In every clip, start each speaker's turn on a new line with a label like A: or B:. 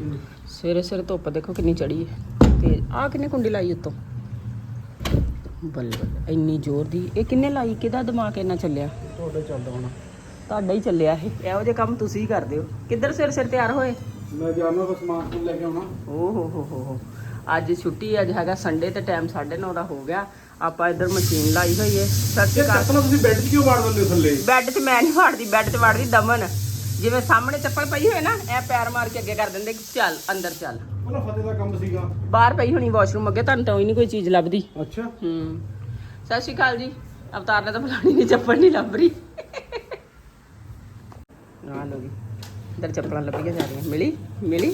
A: ਸਵੇਰੇ ਸਵੇਰੇ ਧੁੱਪ ਦੇਖੋ ਕਿੰਨੀ ਚੜੀ ਹੈ ਤੇ ਆ ਕਿੰਨੇ ਕੁੰਡੀ ਲਾਈ ਉੱਤੋਂ ਬੱਲੇ ਬੱਲੇ ਇੰਨੀ ਜ਼ੋਰ ਦੀ। ਇਹ ਕਿੰਨੇ ਲਾਈ? ਕਿਹਦਾ ਦਿਮਾਗ ਇੰਨਾ ਚੱਲਿਆ?
B: ਤੁਹਾਡੇ ਚੱਲਦਾ ਹੋਣਾ।
A: ਤੁਹਾਡਾ ਹੀ ਚੱਲਿਆ ਇਹ। ਇਹੋ ਜਿਹੇ ਕੰਮ ਤੁਸੀਂ ਹੀ ਕਰਦੇ ਹੋ। ਕਿੱਧਰ ਸਿਰ ਸਿਰ ਤਿਆਰ ਹੋਏ?
B: ਮੈਂ ਜਾਣਾ ਬਸ ਸਮਾਨ ਲੈ ਕੇ ਆਉਣਾ।
A: ਓ ਹੋ ਅੱਜ ਛੁੱਟੀ। ਅੱਜ ਹੈਗਾ ਸੰਡੇ ਤੇ ਟਾਈਮ 9:30 ਦਾ ਹੋ ਗਿਆ। ਆਪਾਂ ਇੱਧਰ ਮਸ਼ੀਨ ਲਾਈ ਹੋਈ ਹੈ। ਸਤਿ ਸ਼੍ਰੀ ਅਕਾਲ।
B: ਤੁਸੀਂ ਬੈੱਡ 'ਚ ਕਿਉਂ ਵਾੜ ਦਿੰਦੇ ਹੋ ਥੱਲੇ?
A: ਬੈੱਡ 'ਚ ਮੈਂ ਨਹੀਂ ਵਾੜਦੀ, ਬੈੱਡ 'ਚ ਵਾੜਦੀ ਦਮਨ। ਜਿਵੇਂ ਸਾਹਮਣੇ ਚੱਪਲ ਪਈ ਹੋਏ ਨਾ, ਇਹ ਪੈਰ ਮਾਰ ਕੇ ਅੱਗੇ ਕਰ ਦਿੰਦੇ ਕਿ ਚੱਲ ਅੰਦਰ ਚੱਲ।
B: ਉਹਦਾ ਫਤਿਹ ਦਾ ਕੰਮ ਸੀਗਾ।
A: ਬਾਹਰ ਪਈ ਹੋਣੀ ਵਾਸ਼ਰੂਮ ਅੱਗੇ, ਤੁਹਾਨੂੰ ਤਾਂ ਹੀ ਨਹੀਂ ਕੋਈ ਚੀਜ਼ ਲੱਭਦੀ।
B: ਅੱਛਾ।
A: ਸਤਿ ਸ਼੍ਰੀ ਅਕਾਲ ਜੀ। ਅਵਤਾਰ ਨੇ ਤਾਂ ਫਲਾਣੀ ਨਹੀਂ, ਚੱਪਲ ਨਹੀਂ ਲੱਭ ਰਹੀ। ਆ ਲੋ ਜੀ, ਇੱਧਰ ਚੱਪਲਾਂ ਲੱਭੀਆਂ ਜਾ ਰਹੀਆਂ। ਮਿਲੀ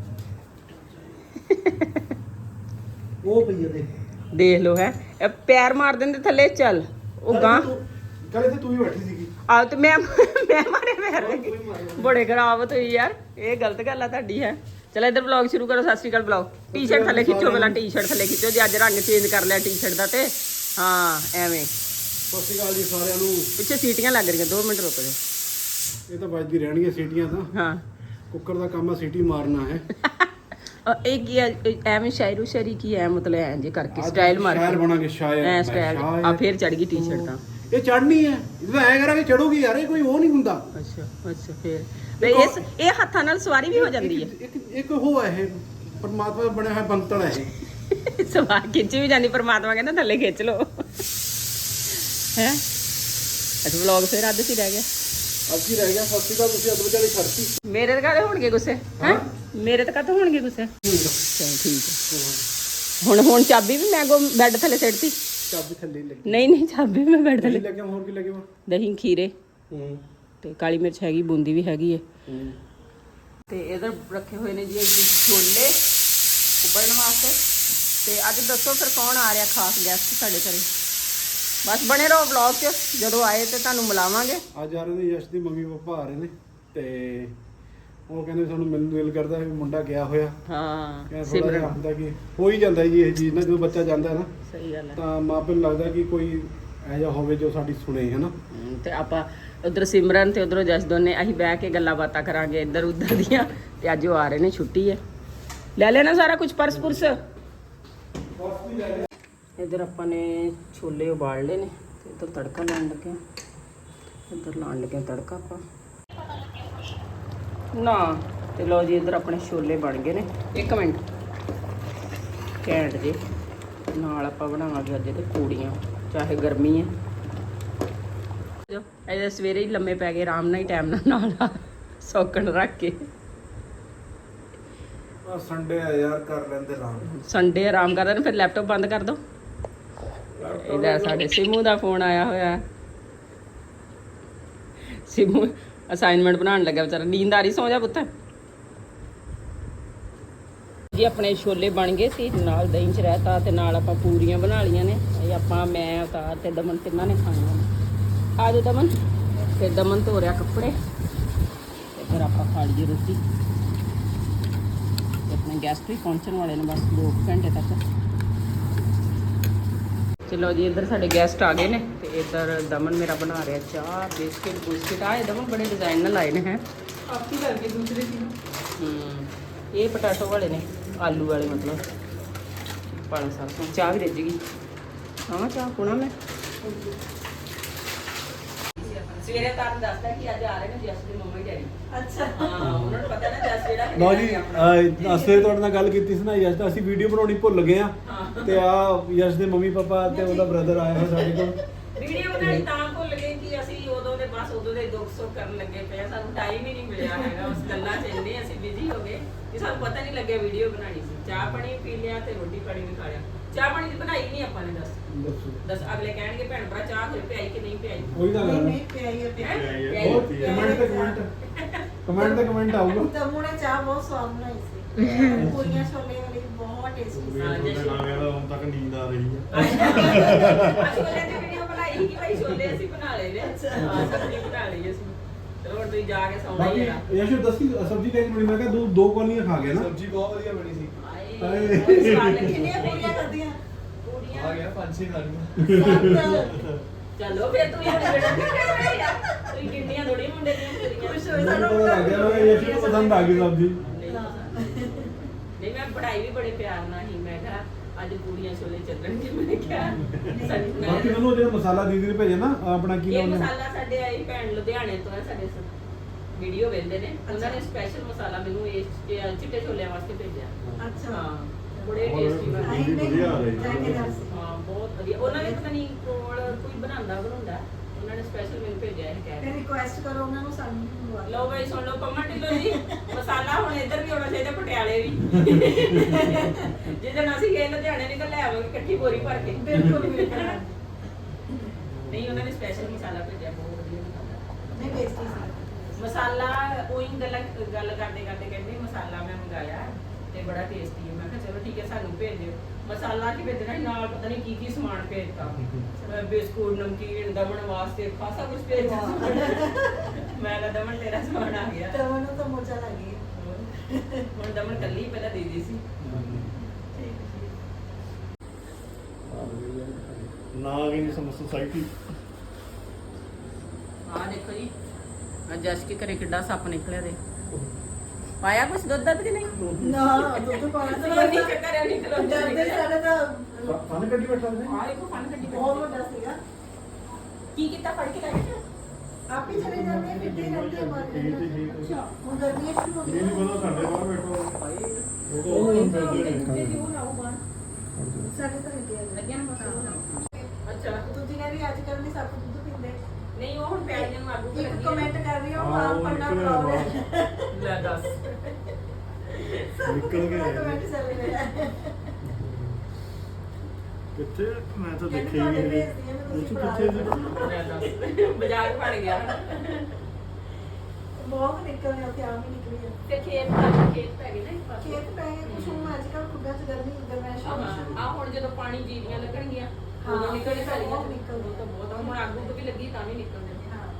B: ਉਹ ਪਈ ਹੈ
A: ਦੇਖ ਲੋ ਹੈ। ਇਹ ਪੈਰ ਮਾਰ ਦਿੰਦੇ ਥੱਲੇ। ਚੱਲ ਉਹ ਗਾਂ
B: ਕੱਲ ਇੱਥੇ ਤੂੰ ਹੀ ਬੈਠੀ ਸੀਗੀ।
A: ਆ ਤੇ ਮੈਂ ਮਾਰੇ ਪੈਰ ਬੜੇ ਖਰਾਬ ਹੋਈ ਯਾਰ। ਇਹ ਗਲਤ ਗੱਲ ਆ ਤੁਹਾਡੀ ਹੈ। ਚਲ ਇੱਧਰ ਵਲੌਗ ਸ਼ੁਰੂ ਕਰੋ। ਸਤਿ ਸ਼੍ਰੀ ਅਕਾਲ ਬੁਲਾਓ। ਟੀ-ਸ਼ਰਟ ਥੱਲੇ ਖਿੱਚੋ, ਪਹਿਲਾਂ ਟੀ-ਸ਼ਰਟ ਥੱਲੇ ਖਿੱਚੋ ਜੀ। ਅੱਜ ਰੰਗ ਚੇਂਜ ਕਰ ਲਿਆ ਟੀ-ਸ਼ਰਟ ਦਾ ਤੇ ਹਾਂ ਐਵੇਂ।
B: ਸਤਿ ਸ਼੍ਰੀ ਅਕਾਲ ਜੀ ਸਾਰਿਆਂ ਨੂੰ।
A: ਪਿੱਛੇ ਸੀਟੀਆਂ ਲੱਗ ਰਹੀਆਂ, 2 ਮਿੰਟ ਰੁਕ ਜਾਓ।
B: ਇਹ ਤਾਂ ਵੱਜਦੀ ਰਹਿਣਗੀਆਂ ਸੀਟੀਆਂ ਤਾਂ।
A: ਹਾਂ
B: ਕੁੱਕਰ ਦਾ ਕੰਮ ਆ ਸੀਟੀ ਮਾਰਨਾ ਹੈ।
A: ਇਹ ਕੀ ਹੈ? ਐਵੇਂ ਸ਼ਾਇਰੀ ਕੀ ਹੈ ਮਤਲਬ? ਐਂ ਜੇ ਕਰਕੇ ਸਟਾਈਲ ਮਾਰ
B: ਸ਼ਾਇਰ ਬਣਾਂਗੇ ਸ਼ਾਇਰ।
A: ਐ ਸਟਾਈਲ ਆ ਫੇਰ ਚੜ ਗਈ ਟੀ-ਸ਼ਰਟ ਤਾਂ।
B: ਇਹ ਚੜਨੀ ਹੈ, ਇਹ ਤਾਂ ਐ ਕਰਾਂਗੇ ਚੜੂਗੀ ਯਾਰ। ਇਹ ਕੋਈ ਉਹ ਨਹੀਂ ਹੁੰਦਾ।
A: ਅੱਛਾ ਫੇਰ ਇਹ ਹੱਥਾਂ ਨਾਲ ਸਵਾਰੀ ਵੀ ਹੋ ਜਾਂਦੀ ਹੈ।
B: ਇੱਕ ਉਹ ਹੈ, ਇਹ ਪਰਮਾਤਮਾ ਦਾ ਬਣਿਆ ਹੋਇਆ ਬੰਤਲ ਹੈ ਇਹ।
A: ਸਵਾਰ ਖਿੱਚ ਵੀ ਜਾਂਦੀ। ਪਰਮਾਤਮਾ ਕਹਿੰਦਾ ਥੱਲੇ ਖਿੱਚ ਲੋ ਹੈ। ਅੱਛਾ ਵਲੌਗ ਫੇਰ ਅੱਧ 'ਚ ਹੀ ਰਹਿ ਗਿਆ।
B: ਅੱਧੀ ਰਹਿ ਗਿਆ। ਸਤਿ ਸ਼੍ਰੀ ਅਕਾਲ। ਤੁਸੀਂ ਅੱਧ ਵਿਚਾਲੇ ਛੱਡਤੀ।
A: ਮੇਰੇ ਤੇ ਕਾਹਦੇ ਹੋਣਗੇ ਗੁੱਸੇ ਹੈ? ਮੇਰੇ ਤੇ ਕਾਹਦੇ ਹੋਣਗੇ ਗੁੱਸੇ? ਚਲ ਠੀਕ ਹੈ। ਹੁਣ ਚਾਬੀ ਵੀ ਮੈਂ ਬੈੱਡ ਥੱਲੇ ਸਿੱਟਤੀ।
B: ਚਾਬੀ ਥੱਲੇ ਲੱਗੀ।
A: ਨਹੀਂ ਚਾਬੀ ਮੈਂ ਬੈੱਡ ਥੱਲੇ
B: ਲੱਗਿਆ। ਹੋਰ ਕੀ ਲੱਗਿਆ?
A: ਦਹੀਂ, ਖੀਰੇ ਤੇ ਕਾਲੀ ਮਿਰਚ ਹੈਗੀ, ਬੂੰਦੀ ਵੀ ਹੈਗੀ ਹੈ। ਤੇ ਇਧਰ ਰੱਖੇ ਹੋਏ ਨੇ ਜੀ ਛੋਲੇ ਉਬਲਣ ਵਾਸਤੇ। ਤੇ ਅੱਜ ਦੱਸੋ ਫਿਰ ਕੌਣ ਆ ਰਿਹਾ ਖਾਸ ਗੈਸਟ ਸਾਡੇ ਘਰੇ? ਬਸ ਬਣੇ ਰਹੋ ਵਲੌਗ 'ਚ। ਜਦੋਂ ਆਏ ਤੇ ਤੁਹਾਨੂੰ ਮਿਲਾਵਾਂਗੇ।
B: ਅੱਜ ਆ ਰਹੇ ਨੇ ਯਸ਼ ਦੀ ਮੰਮੀ ਪਾਪਾ ਆ ਰਹੇ ਨੇ ਤੇ ਉਹ ਕਹਿੰਦੇ ਸਾਨੂੰ ਮਿਲਣ ਨੂੰ ਦਿਲ ਕਰਦਾ ਵੀ ਮੁੰਡਾ ਗਿਆ ਹੋਇਆ।
A: ਹਾਂ
B: ਸਿਮਰਨ ਹੁੰਦਾ ਕਿ ਹੋ ਹੀ ਜਾਂਦਾ ਜੀ ਇਹ ਚੀਜ਼ ਨਾ। ਜਦੋਂ ਬੱਚਾ ਜਾਂਦਾ ਨਾ
A: ਸਹੀ ਗੱਲ ਹੈ, ਤਾਂ
B: ਮਾਪੇ ਨੂੰ ਲੱਗਦਾ ਕਿ ਕੋਈ ਇਹੋ ਜਿਹਾ ਹੋਵੇ ਜੋ ਸਾਡੀ ਸੁਣੇ, ਹੈ ਨਾ।
A: ਤੇ ਆਪਾਂ ਉਧਰ ਸਿਮਰਨ ਤੇ ਉਧਰੋਂ ਜਸ ਦੋਨੇ ਅਸੀਂ ਬਹਿ ਕੇ ਗੱਲਾਂ ਬਾਤਾਂ ਕਰਾਂਗੇ ਇੱਧਰ ਉੱਧਰ ਦੀਆਂ। ਤੇ ਅੱਜ ਉਹ ਆ ਰਹੇ ਨੇ, ਛੁੱਟੀ ਹੈ। ਲੈ ਲੈਣਾ ਸਾਰਾ ਕੁਝ, ਪਰਸ ਪੁਰਸ। ਇੱਧਰ ਆਪਾਂ ਨੇ ਛੋਲੇ ਉਬਾਲ ਲਏ ਨੇ ਤੇ ਇੱਧਰ ਤੜਕਾ ਲਾਉਣ ਲੱਗੇ। ਇੱਧਰ ਲਾਉਣ ਲੱਗੇ ਤੜਕਾ ਆਪਾਂ ਨਾ। ਤੇ ਲਓ ਜੀ ਇੱਧਰ ਆਪਣੇ ਛੋਲੇ ਬਣ ਗਏ ਨੇ। 1 ਮਿੰਟ ਘੈਂਟ ਜੇ। ਨਾਲ ਆਪਾਂ ਬਣਾਵਾਂਗੇ ਅੱਜ ਤੇ ਪੂੜੀਆਂ, ਚਾਹੇ ਗਰਮੀ ਹੈ। ਇਹਦੇ ਸਵੇਰੇ ਹੀ ਲੰਮੇ ਪੈ ਗਏ ਆਰਾਮ ਨਾਲ ਹੀ, ਟਾਈਮ ਨਾਲ ਸੌਕਣ ਰੱਖ ਕੇ।
B: ਸੰਡੇ ਆ ਯਾਰ, ਕਰ ਲੈਂਦੇ ਆਰਾਮ।
A: ਸੰਡੇ ਆਰਾਮ ਕਰਦੇ ਨੇ, ਫਿਰ ਲੈਪਟਾਪ ਬੰਦ ਕਰ ਦੋ। ਇਹਦਾ ਸਾਡੇ ਸਿਮੂ ਦਾ ਫੋਨ ਆਇਆ ਹੋਇਆ। ਸਿਮੂ ਅਸਾਈਨਮੈਂਟ ਬਣਾਉਣ ਲੱਗਾ ਵਿਚਾਰਾ। ਨੀਂਦ ਆ ਰਹੀ? ਸੌਂ ਜਾ ਪੁੱਤ ਜੀ। ਆਪਣੇ ਛੋਲੇ ਬਣ ਗਏ ਸੀ, ਨਾਲ ਦਹੀਂ 'ਚ ਰਹਿਤਾ ਤੇ ਨਾਲ ਆਪਾਂ ਪੂਰੀਆਂ ਬਣਾ ਲਈਆਂ ਨੇ। ਇਹ ਆਪਾਂ ਮੈਂ ਉਤਾਰ ਤੇ ਦਮਨ ਤਿੰਨਾਂ ਨੇ ਖਾਣੀਆਂ ਨੇ। ਆ ਜਾਓ ਦਮਨ। ਫਿਰ ਦਮਨ ਧੋ ਰਿਹਾ ਕੱਪੜੇ ਤੇ ਫਿਰ ਆਪਾਂ ਖਾ ਲਈਏ ਰੋਟੀ। ਆਪਣੇ ਗੈਸਟ ਵੀ ਪਹੁੰਚਣ ਵਾਲੇ ਨੇ ਬਸ 2 ਘੰਟੇ ਤੱਕ। ਚਲੋ ਜੀ ਇੱਧਰ ਸਾਡੇ ਗੈਸਟ ਆ ਗਏ ਨੇ ਤੇ ਇੱਧਰ ਦਮਨ ਮੇਰਾ ਬਣਾ ਰਿਹਾ ਚਾਹ, ਬਿਸਕਿਟ ਆਏ ਦਮਨ ਬੜੇ ਡਿਜ਼ਾਈਨ ਨਾਲ ਲਾਏ ਨੇ। ਹੈ ਆਪੀ ਲੱਗੇ ਦੂਸਰੇ ਦੀ। ਇਹ ਪਟਾਟੋ ਵਾਲੇ ਨੇ, ਆਲੂ ਵਾਲੇ ਮਤਲਬ। ਪਾਲਕ ਸਾਗ। ਚਾਹ ਵੀ ਰਿੱਝ ਗਈ। ਹਾਂ ਚਾਹ ਪੁਣਾ ਮੈਂ ਸਵੇਰੇ ਤੁਹਾਨੂੰ ਦੱਸਦਾ ਕਿ ਅੱਜ ਆ ਰਹੇ ਨੇ ਜਸ ਦੇ ਮੰਮੀ ਡੈਡੀ। ਅੱਛਾ ਹਾਂ, ਉਹਨਾਂ ਨੂੰ ਪਤਾ ਨਾ ਜਸ ਜਿਹੜਾ।
B: ਲਓ ਜੀ ਅਸੀਂ ਤੁਹਾਡੇ ਨਾਲ ਗੱਲ ਕੀਤੀ ਸੀ ਨਾ ਯਸ਼ ਦਾ, ਅਸੀਂ ਵੀਡੀਓ ਬਣਾਉਣੀ ਭੁੱਲ ਗਏ ਆ। ਤੇ ਆ ਯਸ਼ ਦੇ ਮੰਮੀ ਪਾਪਾ ਤੇ ਉਹਦਾ ਬ੍ਰਦਰ ਆਇਆ ਹੋਇਆ ਸਾਡੇ ਕੋਲ।
A: ਵੀਡੀਓ ਬਣਾਈ ਤਾਂ ਭੁੱਲ ਗਏ ਕਿ ਅਸੀਂ ਉਦੋਂ ਦੇ ਦੁੱਖ ਸੁੱਖ ਕਰਨ ਲੱਗੇ ਪਏ। ਸਾਨੂੰ ਟਾਈਮ ਹੀ ਨਹੀਂ ਮਿਲਿਆ ਹੈਗਾ ਉਸ ਗੱਲਾਂ 'ਚ। ਇੰਨੇ ਅਸੀਂ ਬਿਜ਼ੀ ਹੋ ਗਏ ਕਿ ਸਾਨੂੰ ਪਤਾ ਨਹੀਂ ਲੱਗਿਆ ਵੀਡੀਓ ਬਣਾਣੀ ਸੀ। ਚਾਹ ਪਾਣੀ ਪੀ ਲਿਆ ਤੇ ਰੋਟੀ ਪਾਣੀ ਵੀ ਖਾ ਲਿਆ। ਚਾਹ ਪਾਣੀ ਦੀ ਬਣਾਈ ਨਹੀਂ ਆਪਾਂ ਨੇ। ਦੱਸ ਅਗਲੇ ਕਹਿਣਗੇ ਭੈਣ ਭਰਾ ਚਾਹ ਹੋਏ ਪਿਆਈ ਕਿ ਨਹੀਂ ਪਿਆਈ?
B: ਕੋਈ ਤਾਂ ਗੱਲ ਨਹੀਂ। ਕਮੈਂਟ ਆਊਗਾ।
C: ਤਮੂ ਨੇ ਚਾਹ ਬਹੁਤ ਸਵਾਦ ਬਣਾਈ ਸੀ। ਪੂਰੀਆਂ ਛੋਲੇ ਵਾਲੀ ਬਹੁਤ ਟੇਸਟੀ ਸੀ।
B: ਹੁਣ ਤੱਕ ਨੀਂਦ ਆ ਰਹੀ ਹੈ।
A: ਅਸੀਂ ਉਹਨੇ ਤੇ ਵੀਡੀਓ ਬਣਾਈ ਕਿ ਭਾਈ ਛੋਲੇ ਅਸੀਂ ਬਣਾ ਲਏ ਨੇ। ਹਾਂ ਸਬਜ਼ੀ ਬਣਾ ਲਈ ਅਸੀਂ। ਚਲੋ ਹੁਣ ਤੁਸੀਂ ਜਾ ਕੇ ਸੌਣਾ ਹੀ ਆ।
B: ਯਸ਼ ਦੱਸੀ ਸਬਜ਼ੀ ਕਿਹੜੀ ਬਣੀ? ਮੈਂ ਕਿਹਾ 2 ਕੋਲੀਆਂ ਖਾ ਗਿਆ ਨਾ।
D: ਸਬਜ਼ੀ ਬਹੁਤ ਵਧੀਆ ਬਣੀ ਸੀ।
C: ਕਿੰਨੀਆਂ ਪੂਰੀਆਂ ਕਰਦੀਆਂ?
D: ਆ ਗਿਆ 5-6 ਖਾਣੀਆਂ।
A: ਚਲੋ ਫਿਰ ਤੂੰ ਗਿਣਨੀਆਂ ਥੋੜੀ ਮੁੰਡੇ ਦੀਆਂ ਪੂਰੀਆਂ।
C: ਖੁਸ਼ ਹੋਏ
B: ਮੈਨੂੰ
C: ਸਾਨੂੰ।
B: ਪਤਾ ਲੱਗ ਗਿਆ ਯਸ਼ ਨੂੰ ਪਸੰਦ ਆ ਗਈ ਸਬਜ਼ੀ।
A: ਪੜ੍ਹਾਈ ਵੀ ਬੜੇ ਪਿਆਰ ਨਾਲ ਹੀ। ਮੈਂ ਕਿਹਾ ਅੱਜ ਪੂਰੀਆਂ ਛੋਲੇ ਚੱਲਣਗੇ। ਮੈਂ ਕਿਹਾ
B: ਬਾਕੀ ਮੈਨੂੰ ਜਿਹੜਾ ਮਸਾਲਾ ਦੀਦੀ ਨੇ ਭੇਜਿਆ ਨਾ ਆਪਣਾ ਕੀ
A: ਇਹ
B: ਨਾਮ ਹੈ
A: ਮਸਾਲਾ ਸਾਡੇ ਆਈ ਭੈਣ ਲੁਧਿਆਣੇ ਤੋਂ ਹੈ, ਸਾਡੇ ਵੀਡੀਓ ਵੇਖਦੇ ਨੇ। ਉਹਨਾਂ ਨੇ ਸਪੈਸ਼ਲ ਮਸਾਲਾ ਮੈਨੂੰ ਇਹ ਚਿੱਟੇ ਛੋਲਿਆਂ ਵਾਸਤੇ ਭੇਜਿਆ।
C: ਅੱਛਾ
A: ਹਾਂ ਬੜੇ ਟੇਸਟੀ ਬਣਦੇ।
C: ਨਹੀਂ,
B: ਵਧੀਆ ਆ ਰਹੀ ਹੈ।
C: ਜਾਇਕੇਦਾਰ ਸੀ।
A: ਹਾਂ ਬਹੁਤ ਵਧੀਆ। ਉਹਨਾਂ ਨੇ ਪਤਾ ਨਹੀਂ ਕੋਲ ਕੋਈ ਬਣਾਉਂਦਾ ਉਹਨਾਂ ਨੇ ਸਪੈਸ਼ਲ ਮੈਨੂੰ ਭੇਜਿਆ ਇਹ ਕਹਿ
C: ਫਿਰ ਰਿਕੁਐਸਟ ਕਰੋ ਉਹਨਾਂ ਨੂੰ ਸਾਨੂੰ ਵੀ ਮੰਗਵਾ
A: ਲਓ ਬਈ ਸੁਣ ਲਓ ਪੰਮਾ ਢਿੱਲੋਂ ਜੀ, ਮਸਾਲਾ ਹੁਣ ਇੱਧਰ ਵੀ ਆਉਣਾ ਚਾਹੀਦਾ, ਪਟਿਆਲੇ ਵੀ। ਜਿੱਦਣ ਅਸੀਂ ਗਏ ਲੁਧਿਆਣੇ ਨਹੀਂ ਤਾਂ ਲੈ ਆਵਾਂਗੇ ਇਕੱਠੀ ਬੋਰੀ ਭਰ ਕੇ।
C: ਬਿਲਕੁਲ ਬਿਲਕੁਲ
A: ਨਹੀਂ ਉਹਨਾਂ ਨੇ ਸਪੈਸ਼ਲ ਮਸਾਲਾ ਭੇਜਿਆ, ਬਹੁਤ ਵਧੀਆ ਮਸਾਲਾ।
C: ਨਹੀਂ ਟੇਸਟੀ ਸੀ।
A: ਮਸਾਲਾ ਉਹੀ ਗੱਲ ਕਰਦੇ ਕਰਦੇ ਕਹਿੰਦੇ ਮਸਾਲਾ ਮੈਂ ਮੰਗਾਇਆ ਤੇ ਬੜਾ ਟੇਸਟੀ ਹੈ। ਮੈਂ ਕਿਹਾ ਚਲੋ ਠੀਕ ਹੈ ਸਾਨੂੰ ਭੇਜ ਦਿਓ। ਮਸਾਲਾ ਕੀ ਭੇਜਣਾ ਸੀ, ਨਾਲ ਪਤਾ ਨਹੀਂ ਕੀ ਸਮਾਨ ਭੇਜਤਾ। ਬਿਸਕੁਟ ਨਮਕੀਨ ਦਮਨ ਵਾਸਤੇ ਖਾਸਾ ਕੁਝ ਭੇਜ ਦਿੱਤਾ। ਮੈਂ ਕਿਹਾ ਦਮਨ ਤੇਰਾ ਸਮਾਨ ਆ ਗਿਆ।
C: ਤਾਂ ਮੈਨੂੰ ਤਾਂ ਮੋਚਾ ਲੱਗ ਗਿਆ।
A: ਹੁਣ ਦਮਨ ਕੱਲੀ ਪਹਿਲਾਂ ਦੀਦੀ ਸੀ।
D: ਨਾਗਿਨੀ ਸੋਸਾਇਟੀ।
A: ਆਹ ਦੇਖੋ ਜੀ ਅੱਜ ਜਸ ਕੇ ਘਰੇ ਕਿੱਡਾ ਸੱਪ ਨਿਕਲਿਆ ਦੇ। ਪਾਇਆ ਕੁਛ ਦੁੱਧ ਦੱਧ ਕਿ ਨਹੀਂ?
C: ਨਾ ਦੁੱਧ ਪਾਣਾ ਤਾਂ
A: ਨਹੀਂ ਕਰਿਆ ਨਹੀਂ ਤੇ
C: ਡਰਦੇ ਸਾਡੇ ਤਾਂ
B: ਫਨ ਕੱਢੀ ਬੈਠਾ ਨੇ
A: ਆਹ ਦੇਖੋ ਫਨ ਕੱਢੀ
C: ਬਹੁਤ ਵੱਡਾ ਸੀਗਾ।
A: ਕੀ ਕੀਤਾ ਫੜ ਕੇ ਲੈ ਗਏ?
C: ਆਪ ਹੀ ਚਲੇ ਜਾਂਦੇ ਆ, ਫਿੱਟੇ ਰਹਿੰਦੇ ਆ ਮਾਰਕੀਟ। ਅੱਛਾ ਹੁਣ ਗਰਮੀਆਂ ਸ਼ੁਰੂ ਹੋ
D: ਇਹ ਨਹੀਂ
C: ਗਈਆਂ।
D: ਪਤਾ ਸਾਡੇ ਬਾਹਰ ਬੈਠੋ।
C: ਸਾਡੇ ਤਾਂ ਇੱਥੇ ਆ
A: ਲੱਗਿਆ ਨਾ ਪਤਾ। ਅੱਛਾ
C: ਤੁਸੀਂ ਕਹਿੰਦੇ ਅੱਜ ਕੱਲ੍ਹ ਨਹੀਂ ਸਭ ਦੁੱਧ ਪੀਂਦੇ।
A: ਨਹੀਂ ਉਹ ਹੁਣ ਪਿਆਜ਼ੀਆਂ ਨੂੰ ਆਗੂ
C: ਇੱਕ ਕਮੈਂਟ ਕਰ ਰਹੀ ਹਾਂ
D: ਹਾਂ,
C: ਆਪ
D: ਉਹ
C: ਪੜਨਾ
D: ਨਿਕਲਿਆ
C: ਪ੍ਰੋਬਲਮ।
A: ਲੈ ਦੱਸ।
D: ਨਿਕਲ ਗਏ।
C: ਕਮੈਂਟ ਚੱਲ ਰਿਹਾ ਹੈ।
D: ਕਿੱਥੇ ਮੈਂ ਤਾਂ
C: ਕਹਿੰਦੇ
D: ਦੇਖਿਆ ਹੀ
C: ਤੁਹਾਡੇ
D: ਨਹੀਂ।
C: ਭੇਜਦੀ ਆ ਮੈਂ, ਤੁਸੀਂ
D: ਕਿੱਥੇ ਸੀ?
A: ਲੈ ਦੱਸ ਬਾਜ਼ਾਰ ਫੜ ਗਿਆ।
C: ਬਹੁਤ ਨਿਕਲ ਰਿਹਾ ਤੇ ਆਮ ਹੀ ਨਿਕਲੀ ਆ।
A: ਤੇ ਖੇਤ ਪੈ ਗਏ ਨਾ ਇੱਕ ਪਾਸੇ।
C: ਖੇਤ ਪੈ ਗਏ ਕੁਛ ਹੁਣ ਅੱਜ ਕੱਲ੍ਹ ਖੁੱਡਾਂ 'ਚ ਗਰਮੈਸ਼ ਹੋਣੀ ਸ਼ੁਰੂ।
A: ਆ ਹੁਣ ਜਦੋਂ ਪਾਣੀ ਜੀਰੀਆਂ ਲੱਗਣਗੀਆਂ ਉਦੋਂ
C: ਹਾਂ,
A: ਨਿਕਲਣੇ
C: ਬਹੁਤ
A: ਸਾਰੀਆਂ
C: ਨਿਕਲਦੇ।
A: ਤਾਂ ਬਹੁਤ ਹੁਣ ਆਗੂ ਵੀ ਲੱਗੀ ਤਾਂ ਵੀ ਨਿਕਲਦੇ ਨੇ।
C: ਹਾਂ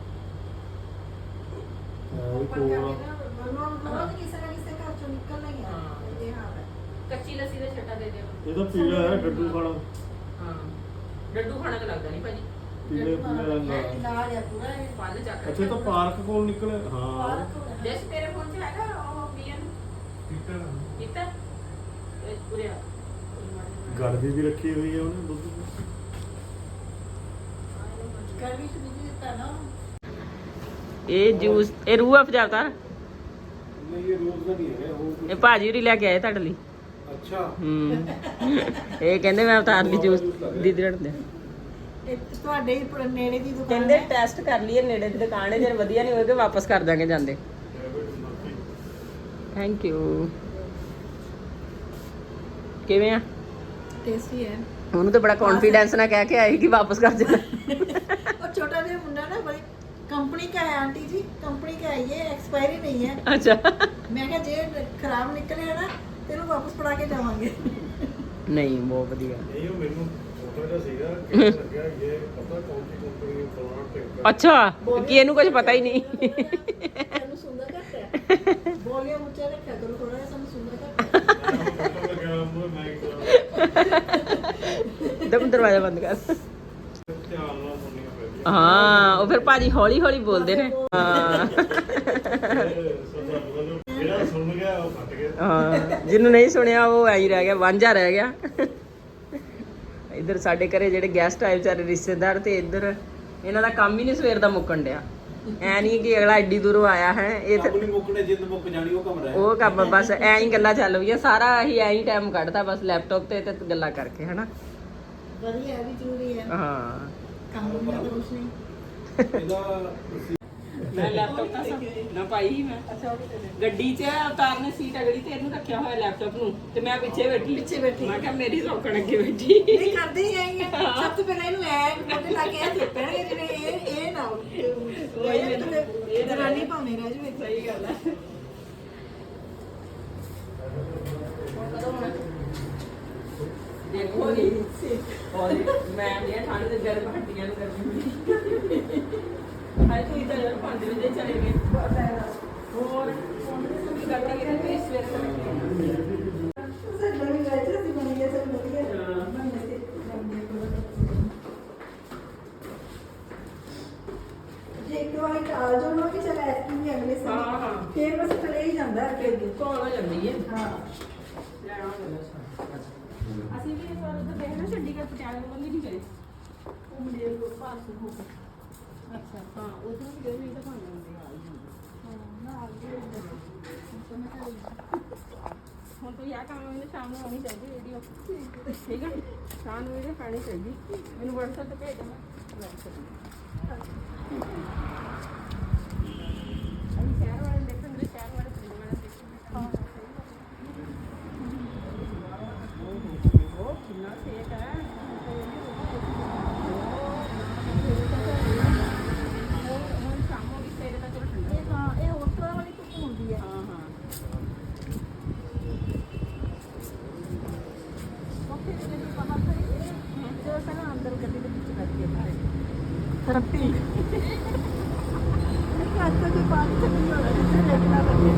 D: ਉਹ
C: ਪਰ
D: ਕੋਲ
C: ਕਹਿੰਦੇ ਨਾ ਰੋਜ਼ ਕਿਸੇ ਨਾ ਕਿਸੇ ਘਰ ਚੋਂ ਨਿਕਲਣਾ ਹੀ ਆ।
A: ਹਾਂ।
C: ਇਹ ਹਾਲ ਹੈ।
A: ਕੱਚੀ ਲੱਸੀ ਦਾ ਛੱਟਾ ਦੇ ਦਿਓ।
D: ਇਹ ਤਾਂ ਪੀਲਾ ਹੈ ਡੱਡੂ ਖਾਣਾ।
A: ਹਾਂ ਡੱਡੂ ਖਾਣਾ ਤਾਂ ਲੱਗਦਾ ਨਹੀਂ ਭਾਜੀ।
D: ਪੀਲੇ ਪੀਲੇ ਰੰਗ ਦਾ।
C: ਨਾਲ ਆ ਪੂਰਾ ਇਹ।
A: ਫਲ ਚੱਕ
D: ਅੱਛਾ ਇਹ ਤਾਂ ਪਾਰਕ ਕੋਲ ਨਿਕਲੇ। ਹਾਂ
C: ਪਾਰਕ ਹੋ ਰਿਹਾ।
A: ਜਸ ਤੇਰੇ ਫੋਨ 'ਚ ਹੈਗਾ ਉਹ ਬੀਐਨ ਕੀਤਾ ਇਹ ਪੂਰੇ
D: ਗੜਦੀ ਵੀ ਰੱਖੀ ਹੋਈ ਹੈ ਉਹਨੇ ਦੁੱਧ ਦੀ।
C: ਗਰਮੀ 'ਚ ਦੁੱਧ ਦਿੱਤਾ ਨਾ।
A: ਇਹ ਜੂਸ ਇਹ ਰੂਹ ਅਫਜਾ ਉਤਾਰ।
B: ਨਹੀਂ ਇਹ ਰੋਜ਼ ਦਾ ਨਹੀਂ ਹੈ ਉਹ
A: ਇਹ ਭਾਜੀ ਉਰੀ ਲੈ ਕੇ ਆਏ ਤੁਹਾਡੇ ਲਈ।
B: ਅੱਛਾ
A: ਇਹ ਕਹਿੰਦੇ ਮੈਂ ਉਤਾਰ ਲਈ ਜੂਸ ਦੀਦੀ ਰੜਦੇ।
C: ਇਹ ਤੁਹਾਡੇ ਹੀ ਨੇੜੇ ਦੀ ਦੁਕਾਨ
A: ਕਹਿੰਦੇ
C: ਹੈ।
A: ਟੈਸਟ ਕਰ ਲਈਏ ਨੇੜੇ ਦੀ ਦੁਕਾਨ ਹੈ, ਜੇ ਵਧੀਆ ਨਹੀਂ ਹੋਏਗਾ ਵਾਪਸ ਕਰ ਦਾਂਗੇ ਜਾਂਦੇ। Thank you. ਕਿਵੇਂ ਆ?
C: ਟੇਸਟੀ ਹੈ।
A: ਉਹਨੂੰ ਤਾਂ ਬੜਾ ਕੌਨਫੀਡੈਂਸ ਨਾਲ ਕਹਿ ਕੇ ਆਈ ਕਿ ਵਾਪਸ ਕਰ ਦੇਣਾ।
C: और छोटा जो मुंडा ना बड़ी कंपनी का है आंटी जी, कंपनी का है ये, एक्सपायरी नहीं है।
A: अच्छा
C: मैं क्या जे खराब निकले है ना तेनू वापस पड़ा के जावांगे।
A: नहीं बहुत बढ़िया।
D: ਨਹੀਂ ਉਹ ਮੈਨੂੰ ਛੋਟਾ ਜਿਹਾ ਸੀਗਾ ਕਿ ਲੱਗਿਆ ਇਹ ਪਤਾ ਕੌਣ ਸੀ ਕੰਪਨੀ ਫਲਾਣਾ ਟਿੰਕਰ।
A: अच्छा कि ਇਹਨੂੰ ਕੁਝ ਪਤਾ ਹੀ ਨਹੀਂ।
C: तेनू सुंदर करता है वॉल्यूम ऊंचा रखा करो थोड़ा सा सुंदर करता है।
D: ਪਤਾ ਲੱਗਿਆ मैं
A: दम दरवाजा बंद कर।
D: ਧਿਆਨ ਨਾਲ ਸੁਣਨੀਆਂ ਪੈਂਦੀਆਂ।
A: ਹਾਂ ਉਹ ਫਿਰ ਭਾਜੀ ਹੌਲੀ ਹੌਲੀ ਬੋਲਦੇ ਨੇ। ਹਾਂ
D: ਜਿਹੜਾ ਸੁਣ ਗਿਆ ਉਹ ਫਟ ਗਿਆ।
A: ਹਾਂ ਜਿਹਨੂੰ ਨਹੀਂ ਸੁਣਿਆ ਉਹ ਐਂ ਹੀ ਰਹਿ ਗਿਆ, ਵਾਂਝਾ ਰਹਿ ਗਿਆ। ਇੱਧਰ ਸਾਡੇ ਘਰੇ ਜਿਹੜੇ ਗੈਸਟ ਆਏ ਵਿਚਾਰੇ ਰਿਸ਼ਤੇਦਾਰ, ਤੇ ਇੱਧਰ ਇਹਨਾਂ ਦਾ ਕੰਮ ਹੀ ਨਹੀਂ ਸਵੇਰ ਦਾ ਮੁੱਕਣ ਡਿਆ। ਐ ਨਹੀਂ ਕਿ ਅਗਲਾ ਐਡੀ ਦੂਰੋਂ ਆਇਆ ਹੈ, ਇਹ
B: ਕੰਮ ਨਹੀਂ ਮੁੱਕਣੇ, ਜਿੰਦ ਮੁੱਕ ਜਾਣੀ ਉਹ ਕੰਮ ਰਹਿ
A: ਉਹ ਕੰਮ ਬਸ ਐਂ ਹੀ ਗੱਲਾਂ ਚੱਲ ਪਈਆਂ, ਸਾਰਾ ਅਸੀਂ ਐਂ ਹੀ ਟਾਈਮ ਕੱਢਦਾ ਬਸ ਲੈਪਟਾਪ ਤੇ ਗੱਲਾਂ ਕਰਕੇ, ਹਨਾ।
C: बढ़िया है भी जरूरी है
A: ਹਾਂ
C: काम में तो कुछ नहीं।
B: ਇਹਦਾ
A: ਮੈਂ ਲੈਪਟਾਪ ਤਾਂ ਨਾ ਪਾਈ ਹੀ ਮੈਂ ਗੱਡੀ 'ਚ ਉਤਾਰਨੇ ਸੀਟ ਅਗਲੀ ਤੇ ਇਹਨੂੰ ਰੱਖਿਆ ਹੋਇਆ ਲੈਪਟਾਪ ਨੂੰ, ਤੇ ਮੈਂ ਪਿੱਛੇ ਬੈਠੀ ਮੈਂ ਕਿਹਾ ਮੇਰੀ ਸੌਕਣ ਅੱਗੇ ਬੈਠੀ।
C: नहीं करते ही आएंगे सब तो पहले इनू ऐ मोटे ला के ऐ पैणगे जिवें ए ना ये जनानी भाਵੇਂ ਰਹਿ ਜਵੇ।
A: ਸਹੀ ਗੱਲ ਹੈ। ਦੇਖੋ ਜੀ ਔਰ ਮੈਂ ਇਹ ਠੰਡ ਦੇ ਗਰਮ ਹੱਡੀਆਂ ਨੂੰ ਕਰਦੀ ਹਾਏ ਤੂੰ ਇਧਰ ਯਾਰ 5 ਵਜੇ ਚਲੇ ਗਏ ਹੋਰ ਕੀ ਕਰਦੀ ਹੈ ਤੇ ਸਵੇਰ ਤੱਕ
C: ਸਰ ਨਵੀਂ ਗਾਇ ਤੇ ਅਸੀਂ ਬਣ ਗਿਆ ਸਭ ਵਧੀਆ ਬਣਨੇ ਤੇ ਜੇ ਇੱਕ ਵਾਰ ਟਾਲ ਜੋ ਨਾ ਕਿ ਚਲ ਐਤਕੀ ਵੀ ਅਗਲੇ
A: ਹਾਂ,
C: ਸਾਲ
A: ਹਾਂ।
C: ਫੇਰ ਬਸ ਚਲੇ ਹੀ ਜਾਂਦਾ ਅੱਗੇ ਅੱਗੇ
A: ਕੌਣ ਹੋ ਜਾਂਦੀ ਹੈ।
C: ਹਾਂ
A: ਇਹ ਨਾ ਚੰਡੀਗੜ੍ਹ ਪਟਿਆਲੇ ਵੱਲ ਨਹੀਂ ਗਏ
C: ਉਹ ਮੁੰਡੇ ਨੂੰ ਪਾਸ ਹੋ ਕੇ
A: ਅੱਛਾ ਹਾਂ ਉਧਰ ਵੀ ਗਏ ਨਹੀਂ ਤਾਂ ਭਾਵੇਂ ਹੁੰਦੇ ਆ ਹੀ ਜਾਂਦੇ
C: ਨਾ ਅੱਗੇ
A: ਹੁਣ ਤੋਂ ਯਾ ਕੰਮ ਮੈਨੂੰ ਸ਼ਾਮ ਨੂੰ ਆਉਣੀ ਚਾਹੀਦੀ ਵੀਡੀਓ ਠੀਕ ਹੈ ਸ਼ਾਮ ਨੂੰ ਵੀਡੀਓ ਪਾਣੀ ਚਾਹੀਦੀ ਮੈਨੂੰ WhatsApp ਤੇ ਭੇਜ ਦੇਣਾ ਮੈਂ ਅਸੀਂ ਸ਼ਹਿਰ ਵਾਲੇ ਦੇਖਣ ਦੇ ਸ਼ਹਿਰ ਵਾਲੇ ਪਿੰਡ ਵਾਲੇ ਦੇਖਣ ਉਹ ਕਿੰਨਾ ਸੇਕ ਹੈ ਹੁਣ ਸ਼ਾਮ ਹੋ ਗਈ ਸਵੇਰੇ ਤਾਂ ਚਲੋ ਠੰਡਾ
C: ਇਹ ਹੋਟਲ ਵਾਲੀ ਧੁੱਪ ਹੁੰਦੀ ਹੈ
A: ਹਾਂ ਹਾਂ
C: ਉੱਥੇ ਜਿਹੜੀ ਬਾਹਰ ਖੜੀ ਜੋ ਪਹਿਲਾਂ ਅੰਦਰ ਗੱਡੀ ਦੇ ਵਿੱਚ ਬੈਠੀ ਹੈ ਥਰਪੀ ਕਾਤਾ ਦੇ ਬਾਅਦ ਚੱਲਣੀ ਹੋਣਾ ਜਿੱਥੇ ਦੇਖਣਾ ਲੱਗੇ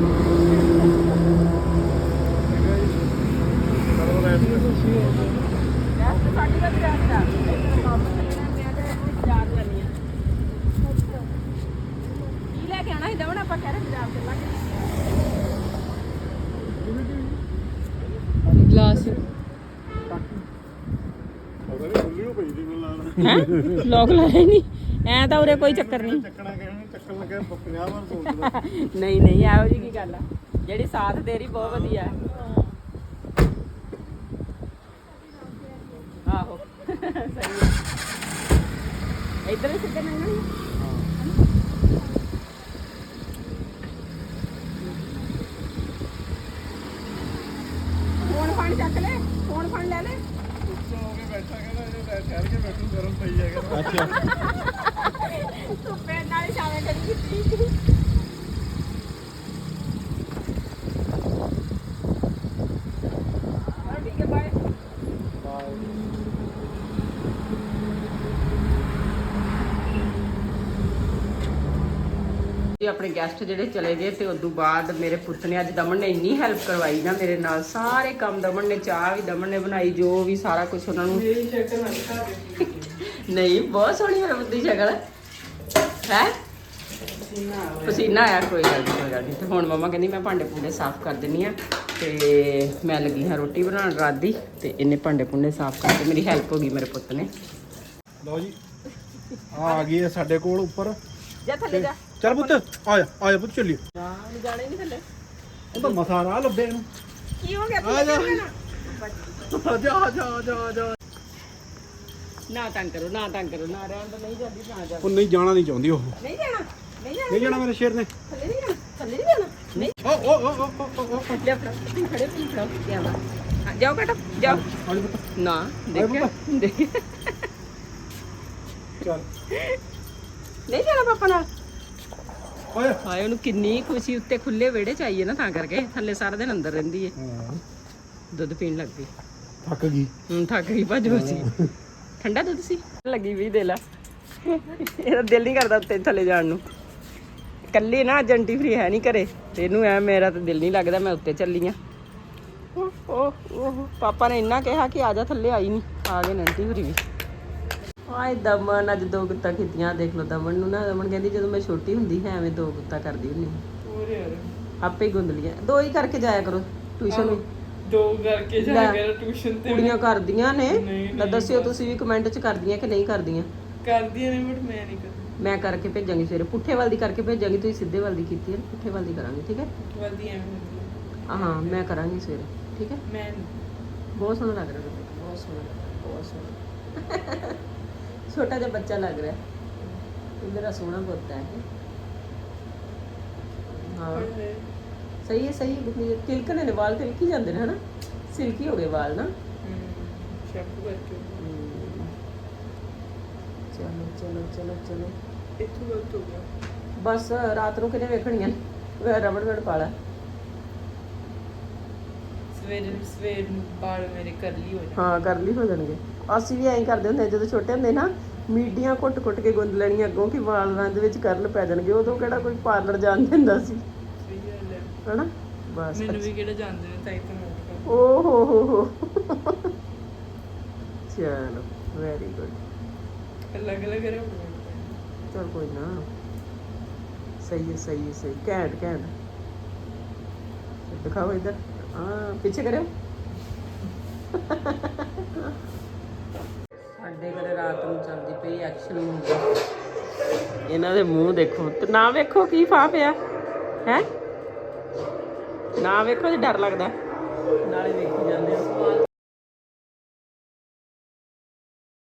D: ਕਰੋ ਰੈਸਟ
A: ਰੈਸਟ ਸਾਡੀ ਦਾ ਰੈਸਟ ਆ ਕੰਮ ਚੱਲਣਾ ਮੈਂ ਤਾਂ ਬਾਜ਼ਾਰ ਜਾਣੀ ਆ ਕੀ ਲੈ ਕੇ ਆਣਾ ਸੀ ਦਵਣ ਆਪਾਂ ਕਹਿ ਰਹੇ ਬਾਜ਼ਾਰ ਚੱਲਾਂਗੇ ਗਲਾਸ
D: ਉਹਦਾ ਵੀ ਖੁੱਲੀ ਹੋ ਪਈ ਦੀ ਮੈਨੂੰ ਲੱਗਦਾ
A: ਹੈ ਲੋਕ ਲਾਇਆ ਨਹੀਂ ਐ ਤਾਂ ਉਰੇ ਕੋਈ ਚੱਕਰ ਨਹੀਂ
D: ਚੱਕਣਾ ਕਹਿਣਾ ਚੱਕਣ ਲੱਗਿਆ 50 ਵਾਰ ਸੋਚਦਾ
A: ਨਹੀਂ ਨਹੀਂ ਇਹੋ ਜੀ ਕੀ ਗੱਲ ਆ ਜਿਹੜੀ ਸਾਥ ਦੇ ਰਹੀ ਬਹੁਤ ਵਧੀਆ ਆਹੋ ਸਹੀ ਹੈ ਇੱਧਰ ਵੀ ਸਿੱਧੇ ਲੰਘਣੀ ਫੋਨ ਫੜ ਚੱਕ ਲੈ ਫੋਨ ਫੜ ਲੈ ਲੈ
D: ਉੱਚਾ ਹੋ ਕੇ ਬੈਠਾ ਕਹਿੰਦਾ ਜੇ ਠਹਿਰ ਕੇ ਬੈਠੂ ਗਰਮ ਪਈ ਜਾਏਗਾ
B: ਅੱਛਾ
A: ਧੁੱਪੇ ਨਾਲ ਛਾਵੇਂ ਕਰੀ ਕੀਤੀ ਠੀਕ ਹੈ ਬਾਏ ਆਪਣੇ ਗੈਸਟ ਜਿਹੜੇ ਚਲੇ ਗਏ ਤੇ ਉਦੋਂ ਬਾਅਦ ਮੇਰੇ ਪੁੱਤ ਨੇ ਅੱਜ ਦਮਨ ਨੇ ਇੰਨੀ ਹੈਲਪ ਕਰਵਾਈ ਨਾ ਮੇਰੇ ਨਾਲ ਸਾਰੇ ਕੰਮ ਦਮਨ ਨੇ ਚਾਹ ਵੀ ਦਮਨ ਨੇ ਬਣਾਈ ਜੋ ਵੀ ਸਾਰਾ ਕੁਝ ਉਹਨਾਂ ਨੂੰ ਮੇਰੀ ਸ਼ਕਲ ਨਹੀਂ ਬਹੁਤ ਸੋਹਣੀ ਹੈ ਬੁੱਧੀ ਸ਼ਕਲ ਹੈ ਪਸੀਨਾ ਆਇਆ ਕੋਈ ਗੱਲ ਨਹੀਂ ਤੇ ਹੁਣ ਮਮਾ ਕਹਿੰਦੀ ਮੈਂ ਭਾਂਡੇ ਭੁੰਡੇ ਸਾਫ਼ ਕਰ ਦਿੰਨੀ ਆ ਤੇ ਮੈਂ ਲੱਗੀ ਹਾਂ ਰੋਟੀ ਬਣਾਉਣ ਰਾਤ ਦੀ ਤੇ ਇਹਨੇ ਭਾਂਡੇ ਭੁੰਡੇ ਸਾਫ਼ ਕਰਕੇ ਮੇਰੀ ਹੈਲਪ ਹੋ ਗਈ ਮੇਰੇ ਪੁੱਤ ਨੇ
B: ਲਓ ਜੀ ਆ ਗਈ ਹੈ ਸਾਡੇ ਕੋਲ ਉੱਪਰ
A: ਜਾ ਥੱਲੇ ਜਾ
B: ਚੱਲ ਪੁੱਤ ਆ ਜਾ ਪੁੱਤ ਚੱਲੀਏ
A: ਨਾ ਜਾਣੇ ਨਹੀਂ ਥੱਲੇ
B: ਉਹ ਤਾਂ ਮਸਾ ਰਾਹ ਲੱਭੇ ਇਹਨੂੰ
A: ਕੀ ਹੋ ਗਿਆ
B: ਆ ਜਾ ਆ ਜਾ
A: ਨਾ ਤੰਗ ਕਰੋ ਨਾ ਤੰਗ ਕਰੋ ਨਾ ਰਹਿਣ ਦੋ ਨਹੀਂ ਜਾਂਦੀ ਨਾ ਜਾ
B: ਉਹ ਨਹੀਂ ਜਾਣਾ ਨਹੀਂ ਚਾਹੁੰਦੀ ਉਹ
A: ਨਹੀਂ ਜਾਣਾ ਨਹੀਂ ਜਾਣਾ
B: ਨਹੀਂ ਜਾਣਾ ਮੇਰੇ ਸ਼ੇਰ ਨੇ
A: ਥੱਲੇ ਨਹੀਂ ਜਾਣਾ ਥੱਲੇ ਨਹੀਂ ਜਾਣਾ ਨਹੀਂ
B: ਓ
A: ਲੈ ਫੜਾ ਤੁਸੀਂ ਖੜੇ ਤੁਸੀਂ ਫੜਾਓ ਕੀ ਆਵਾ ਜਾਓ ਬੇਟਾ ਜਾਓ
B: ਆ ਜਾ ਪੁੱਤ
A: ਨਾ ਦੇਖਿਆ ਦੇਖਿਆ
B: ਚੱਲ
A: ਨਹੀਂ ਜਾਣਾ ਪਾਪਾ ਨਾਲ
B: ਆ ਜਾ
A: ਹਾਏ ਉਹਨੂੰ ਕਿੰਨੀ ਖੁਸ਼ੀ ਉੱਤੇ ਖੁੱਲੇ ਵਿਹੜੇ ਚ ਆਈ ਹੈ ਨਾ ਤਾਂ ਕਰਕੇ ਥੱਲੇ ਸਾਰਾ ਦਿਨ ਅੰਦਰ ਰਹਿੰਦੀ ਹੈ
B: ਹਾਂ,
A: ਦੁੱਧ ਪੀਣ ਲੱਗ ਪਈ
B: ਥੱਕ ਗਈ
A: ਹੁਣ ਥੱਕ ਗਈ ਭੱਜ ਸੀ ਠੰਡਾ ਦੁੱਧ ਸੀ ਲੱਗੀ ਵੀ ਦੇ ਲਾ ਇਹਦਾ ਦਿਲ ਨਹੀਂ ਕਰਦਾ ਉੱਤੇ ਥੱਲੇ ਜਾਣ ਨੂੰ ਕੱਲੀ ਨਾ ਜੰਟੀ ਫਰੀ ਹੈ ਨਹੀਂ ਘਰੇ ਤੇ ਇਹਨੂੰ ਐ ਮੇਰਾ ਤਾਂ ਦਿਲ ਨਹੀਂ ਲੱਗਦਾ ਮੈਂ ਉੱਤੇ ਚੱਲੀ ਆ ਉਹ ਪਾਪਾ ਨੇ ਇੰਨਾ ਕਿਹਾ ਕਿ ਆ ਜਾ ਥੱਲੇ ਆਈ ਨਹੀਂ ਆ ਗਏ ਨੰਟੀ ਫਰੀ ਵੀ ਆਏ ਦਮਨ ਅੱਜ ਦੋ ਗੁੱਤਾਂ ਕੀਤੀਆਂ ਦੇਖ ਲਓ ਦਮਨ ਨੂੰ ਨਾ ਦਮਨ ਕਹਿੰਦੀ ਜਦੋਂ ਮੈਂ ਛੋਟੀ ਹੁੰਦੀ ਹੈ ਐਵੇਂ ਦੋ ਗੁੱਤਾਂ ਕਰਦੀ ਹੁੰਦੀ ਆਪੇ ਹੀ ਗੁੰਦ ਲੀਆਂ ਦੋ ਹੀ ਕਰਕੇ ਜਾਇਆ ਕਰੋ ਟਿਊਸ਼ਨ ਵੀ
E: ਦੋ ਕਰਕੇ ਜਾ ਕੇ ਟਿਊਸ਼ਨ ਤੇ
A: ਕੁੜੀਆਂ ਕਰਦੀਆਂ ਨੇ ਤਾਂ ਦੱਸਿਓ ਤੁਸੀਂ ਵੀ ਕਮੈਂਟ 'ਚ ਕਰਦੀਆਂ ਕਿ ਨਹੀਂ ਕਰਦੀਆਂ
E: ਕਰਦੀਆਂ ਨੇ ਬਟ ਮੈਂ ਨਹੀਂ ਕਰਦੀ
A: ਮੈਂ ਕਰਕੇ ਭੇਜਾਂਗੀ ਸਵੇਰੇ ਪੁੱਠੇ ਵੱਲ ਦੀ ਕਰਕੇ ਭੇਜਾਂਗੀ ਤੁਸੀਂ ਸਿੱਧੇ ਵੱਲ ਦੀ ਕੀਤੀ ਹੈ ਨਾ, ਪੁੱਠੇ ਵੱਲ ਦੀ ਕਰਾਂਗੇ ਠੀਕ ਹੈ
E: ਵਧੀਆ ਐਵੇਂ
A: ਹਾਂ ਮੈਂ ਕਰਾਂਗੀ ਸਵੇਰੇ ਠੀਕ ਹੈ
E: ਮੈਂ
A: ਬਹੁਤ ਸੋਹਣਾ ਲੱਗ ਰਿਹਾ ਤੁਹਾਨੂੰ, ਬਹੁਤ ਸੋਹਣਾ ਬਹੁਤ ਸੋਹਣਾ ਛੋਟਾ ਜਿਹਾ ਬੱਚਾ ਲੱਗ ਰਿਹਾ ਇਹ ਮੇਰਾ ਸੋਹਣਾ ਪੁੱਤ ਹੈ ਹਾਂ ਸਹੀ ਹੈ ਤਿਲਕਣੇ ਨੇ ਵਾਲ ਤਿਲਕੀ ਜਾਂਦੇ ਨੇ ਹਨਾ ਸਿਲਕੀ ਹੋ ਗਏ ਵਾਲ ਨਾ
E: ਸ਼ੈਂਪੂ ਕਰਕੇ
A: ਚਲੋ
E: ਇੱਥੋਂ ਗਲਤ ਹੋ ਗਿਆ
A: ਬਸ ਰਾਤ ਨੂੰ ਕਿਨੇ ਵੇਖਣੀਆਂ ਨੇ ਰਬੜ ਪਾ ਲੈ
E: ਸਵੇਰ ਨੂੰ ਬਾਲ ਮੇਰੇ ਕਰਲੀ ਹੋ ਜਾਣ
A: ਹਾਂ ਕਰਲੀ ਹੋ ਜਾਣਗੇ ਅਸੀਂ ਵੀ ਐਂ ਕਰਦੇ ਹੁੰਦੇ ਜਦੋਂ ਛੋਟੇ ਹੁੰਦੇ ਨਾ ਮੀਡੀਆਂ ਕੁੱਟ ਕੇ ਗੁੰਦ ਲੈਣੀਆਂ ਅੱਗੋਂ ਕਿ ਵਾਲਾਂ ਦੇ ਵਿੱਚ ਕਰਲ ਪੈ ਜਾਣਗੇ ਉਦੋਂ ਕਿਹੜਾ ਕੋਈ ਪਾਰਲਰ ਜਾਣ ਦਿੰਦਾ ਸੀ
E: ਸਹੀ ਗੱਲ ਹੈ
A: ਹਨਾ ਬਸ
E: ਮੈਨੂੰ ਵੀ ਕਿਹੜਾ ਜਾਣਦੇ ਨੇ ਤਾਂ ਇਤਨਾ
A: ਓ ਹੋ ਚਲੋ ਵੈਰੀ ਗੁੱਡ
E: ਅਲੱਗ ਅਲੱਗ ਰਹੇ
A: ਚਲ ਕੋਈ ਨਾ ਸਹੀ ਹੈ ਘੈਂਟ ਦਿਖਾਓ ਇਧਰ ਹਾਂ ਪਿੱਛੇ ਕਰਿਓ ਸਾਡੇ ਘਰੇ ਰਾਤ ਨੂੰ ਚੱਲਦੀ ਪਈ ਐਕਸ਼ਨ ਮੂਵੀ। ਇਹਨਾਂ ਦੇ ਮੂੰਹ ਦੇਖੋ ਤੇ ਨਾ ਵੇਖੋ ਕੀ ਫਾ ਪਿਆ ਹੈ, ਨਾ ਵੇਖੋ ਜੇ ਡਰ ਲੱਗਦਾ, ਨਾਲੇ ਵੇਖੀ ਜਾਂਦੇ ਆ।